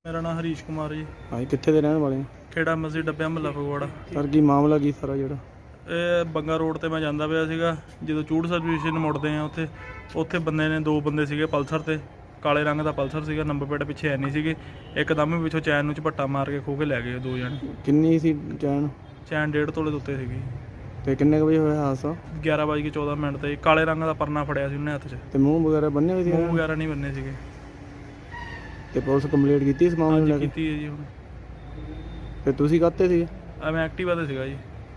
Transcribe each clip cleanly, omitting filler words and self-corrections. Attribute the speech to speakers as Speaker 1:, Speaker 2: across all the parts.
Speaker 1: ਮੇਰਾ ਨਾਮ ਹਰੀਸ਼ ਕੁਮਾਰ ਜੀ।
Speaker 2: ਹਾਂਜੀ, ਕਿੱਥੇ ਦੇ ਰਹਿਣ ਵਾਲੇ ਹੋ?
Speaker 1: ਖੇੜਾ ਮਸਜਿਦ ਡੱਬਿਆ ਮਹੱਲਾ ਫਗਵਾੜਾ।
Speaker 2: ਸਰ ਕੀ ਮਾਮਲਾ ਕੀ ਸਾਰਾ ਜਿਹੜਾ?
Speaker 1: ਇਹ ਬੰਗਾ ਰੋਡ ਤੇ ਮੈਂ ਜਾਂਦਾ ਪਿਆ ਸੀਗਾ, ਜਦੋਂ ਚੂੜ ਸਰਵਿਸ ਸਟੇਸ਼ਨ ਮੁੜਦੇ ਆ ਉੱਥੇ ਬੰਦੇ ਨੇ, ਦੋ ਬੰਦੇ ਸੀਗੇ ਪਲਸਰ ਤੇ, ਕਾਲੇ ਰੰਗ ਦਾ ਪਲਸਰ ਸੀਗਾ, ਨੰਬਰ ਪਲੇਟ ਪਿੱਛੇ ਹੈ ਨਹੀਂ ਸੀਗੇ। ਇੱਕਦਮ ਹੀ ਪਿੱਛੋਂ ਚੈਨ ਨੂੰ ਝਪੱਟਾ ਮਾਰ ਕੇ ਖੋਹ ਕੇ ਲੈ ਗਏ ਦੋ ਜਣੇ।
Speaker 2: ਕਿੰਨੀ ਸੀ ਚੈਨ?
Speaker 1: ਚੈਨ 1.5 ਤੋਲੇ ਦੇ ਉੱਤੇ ਸੀਗੀ।
Speaker 2: ਤੇ ਕਿੰਨੇ ਕੁ ਵਜੇ ਹੋਇਆ ਹਾਦਸਾ?
Speaker 1: 11:14 ਤੇ ਕਾਲੇ ਰੰਗ ਦਾ ਪਰਨਾ ਫੜਿਆ ਸੀ ਉਹਨੇ ਹੱਥ 'ਚ।
Speaker 2: ਤੇ ਮੂੰਹ ਵਗੈਰਾ ਬੰਨੇ ਹੋਏ ਸੀ?
Speaker 1: ਮੂੰਹ ਵਗੈਰਾ ਨਹੀਂ ਬੰਨੇ ਸੀਗੇ।
Speaker 2: ਤੇ ਪੁਲਿਸ ਕੰਪਲੀਟ ਕੀਤੀ ਇਸ ਮਾਮਲੇ ਨੂੰ ਲੈ ਕੇ?
Speaker 1: ਕੀਤੀ ਹੈ ਜੀ ਹੁਣ।
Speaker 2: ਤੇ ਤੁਸੀਂ ਕਾਹਤੇ ਸੀ?
Speaker 1: ਮੈਂ ਐਕਟਿਵਾ ਤੇ ਸੀਗਾ ਜੀ।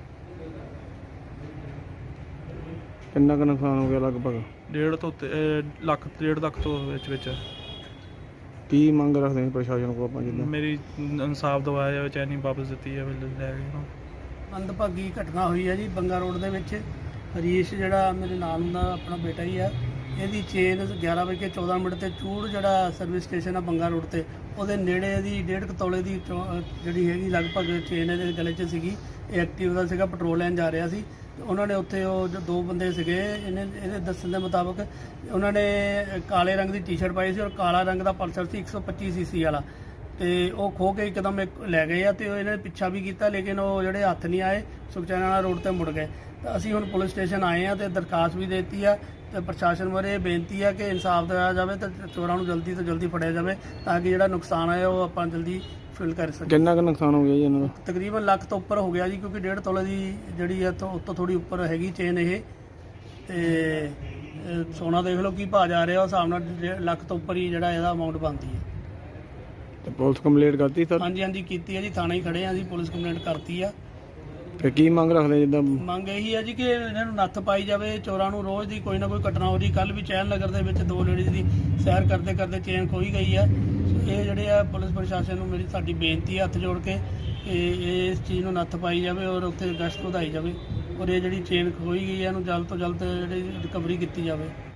Speaker 2: ਕਿੰਨਾ ਕੁ ਨੁਕਸਾਨ ਹੋ ਗਿਆ ਲਗਭਗ?
Speaker 1: 1.5 ਤੋਂ ਉੱਤੇ, 1.5 ਲੱਖ ਤੋਂ ਵਿੱਚ।
Speaker 2: ਕੀ ਮੰਗ ਰੱਖਦੇ ਨੇ ਪ੍ਰਸ਼ਾਸਨ ਕੋਲ ਆਪਾਂ? ਜਿੱਦਾਂ
Speaker 1: ਮੇਰੀ ਇਨਸਾਫ ਦਵਾਇਆ ਜਾਵੇ, ਚੈਨੀ ਵਾਪਸ ਦਿੱਤੀ ਜਾਵੇ, ਲੈ ਗਏ ਉਹਨੂੰ।
Speaker 3: ਮੰਦਭਾਗੀ ਘਟਨਾ ਹੋਈ ਹੈ ਜੀ ਬੰਗਾ ਰੋਡ ਦੇ ਵਿੱਚ। ਹਰੀਸ਼ ਜਿਹੜਾ ਮੇਰੇ ਨਾਲ ਦਾ ਆਪਣਾ ਬੇਟਾ ਹੀ ਆ, ਇਹਦੀ ਚੇਨ 11:14 ਤੇ ਚੂੜ ਜਿਹੜਾ ਸਰਵਿਸ ਸਟੇਸ਼ਨ ਆ ਬੰਗਾ ਰੋਡ ਤੇ, ਉਹਦੇ ਨੇੜੇ ਇਹਦੀ 1.5 ਤੋਲੇ ਦੀ ਜਿਹੜੀ ਹੈਗੀ ਲਗਭਗ ਚੇਨ ਇਹਦੇ ਗਲੇ 'ਚ ਸੀਗੀ। ਇਹ ਐਕਟਿਵ ਦਾ ਸੀਗਾ, ਪੈਟਰੋਲ ਲੈਣ ਜਾ ਰਿਹਾ ਸੀ। ਉਹਨਾਂ ਨੇ ਉੱਥੇ ਉਹ ਜੋ ਦੋ ਬੰਦੇ ਸੀਗੇ, ਇਹਦੇ ਦੱਸਣ ਦੇ ਮੁਤਾਬਕ ਉਹਨਾਂ ਨੇ ਕਾਲੇ ਰੰਗ ਦੀ ਟੀ-ਸ਼ਰਟ ਪਾਈ ਸੀ ਔਰ ਕਾਲਾ ਰੰਗ ਦਾ ਪਲਸਰ ਸੀ 125 ਸੀਸੀ ਵਾਲਾ, ਤੇ ਉਹ ਖੋਹ ਕੇ ਇੱਕਦਮ ਲੈ ਗਏ ਆ। ਤੇ ਇਹਨਾਂ ਨੇ ਪਿੱਛਾ ਵੀ ਕੀਤਾ, ਲੇਕਿਨ ਉਹ ਜਿਹੜੇ ਹੱਥ ਨਹੀਂ ਆਏ, ਸੁਖਚੈਨ ਰੋਡ ਤੇ ਮੁੜ ਗਏ। ਤਾਂ ਅਸੀਂ ਹੁਣ ਪੁਲਿਸ ਸਟੇਸ਼ਨ ਆਏ ਆ ਤੇ ਦਰਖਾਸਤ ਵੀ ਦੇ ਦਿੱਤੀ ਆ, ਤੇ ਪ੍ਰਸ਼ਾਸਨ ਬਾਰੇ ਬੇਨਤੀ ਆ ਕਿ ਇਨਸਾਫ ਦਿਵਾਇਆ ਜਾਵੇ ਤੇ ਚੋਰਾਂ ਨੂੰ ਜਲਦੀ ਤੋਂ ਜਲਦੀ ਫੜਿਆ ਜਾਵੇ, ਤਾਂ ਕਿ ਜਿਹੜਾ ਨੁਕਸਾਨ ਆਇਆ ਉਹ ਆਪਾਂ ਜਲਦੀ ਫਿਲ ਕਰ ਸਕੀਏ।
Speaker 2: ਕਿੰਨਾ ਕੁ ਨੁਕਸਾਨ ਹੋ ਗਿਆ ਜੀ ਇਹਨਾਂ ਦਾ?
Speaker 3: ਤਕਰੀਬਨ ਲੱਖ ਤੋਂ ਉੱਪਰ ਹੋ ਗਿਆ ਜੀ, ਕਿਉਂਕਿ 1.5 ਤੋਲੇ ਦੀ ਜਿਹੜੀ ਆ ਉੱਤੋਂ ਥੋੜੀ ਉੱਪਰ ਹੈਗੀ ਚੇਨ ਇਹ। ਤੇ ਸੋਨਾ ਦੇਖ ਲਓ ਕੀ ਭਾਅ ਜਾ ਰਿਹਾ, ਉਸ ਹਿਸਾਬ ਨਾਲ 1.5 ਲੱਖ ਤੋਂ ਉੱਪਰ ਹੀ ਜਿਹੜਾ ਇਹਦਾ ਅਮਾਊਂਟ ਬਣਦੀ ਹੈ।
Speaker 2: ਤੇ ਪੁਲਿਸ ਕੰਪਲੀਟ ਕਰਤੀ ਸਰ?
Speaker 3: ਹਾਂਜੀ ਕੀਤੀ ਹੈ ਜੀ, ਥਾਣੇ ਹੀ ਖੜੇ ਆ ਜੀ, ਪੁਲਿਸ ਕੰਪਲੇਂਟ ਕਰਤੀ ਆ।
Speaker 2: ਤੇ ਕੀ ਮੰਗ ਰੱਖਦੇ ਜਿੱਦਾਂ?
Speaker 3: ਮੰਗ ਇਹੀ ਹੈ ਜੀ ਕਿ ਇਹਨਾਂ ਨੂੰ ਨੱਥ ਪਾਈ ਜਾਵੇ। ਚੋਰਾਂ ਨੂੰ ਰੋਜ਼ ਦੀ ਕੋਈ ਨਾ ਕੋਈ ਘਟਨਾ ਹੋ ਰਹੀ। ਕੱਲ ਵੀ ਚੈਨ ਨਗਰ ਦੇ ਵਿੱਚ ਦੋ ਲੇਡੀਜ਼ ਦੀ ਸੈਰ ਕਰਦੇ ਚੇਨ ਖੋਈ ਗਈ ਆ। ਇਹ ਜਿਹੜੇ ਆ ਪੁਲਿਸ ਪ੍ਰਸ਼ਾਸਨ ਨੂੰ ਸਾਡੀ ਬੇਨਤੀ ਹੈ ਹੱਥ ਜੋੜ ਕੇ ਕਿ ਇਸ ਚੀਜ਼ ਨੂੰ ਨੱਥ ਪਾਈ ਜਾਵੇ ਔਰ ਉੱਥੇ ਗਸ਼ਤ ਵਧਾਈ ਜਾਵੇ, ਔਰ ਇਹ ਜਿਹੜੀ ਚੇਨ ਖੋਈ ਗਈ ਹੈ ਇਹਨੂੰ ਜਲਦ ਤੋਂ ਜਲਦ ਜਿਹੜੀ ਰਿਕਵਰੀ ਕੀਤੀ ਜਾਵੇ।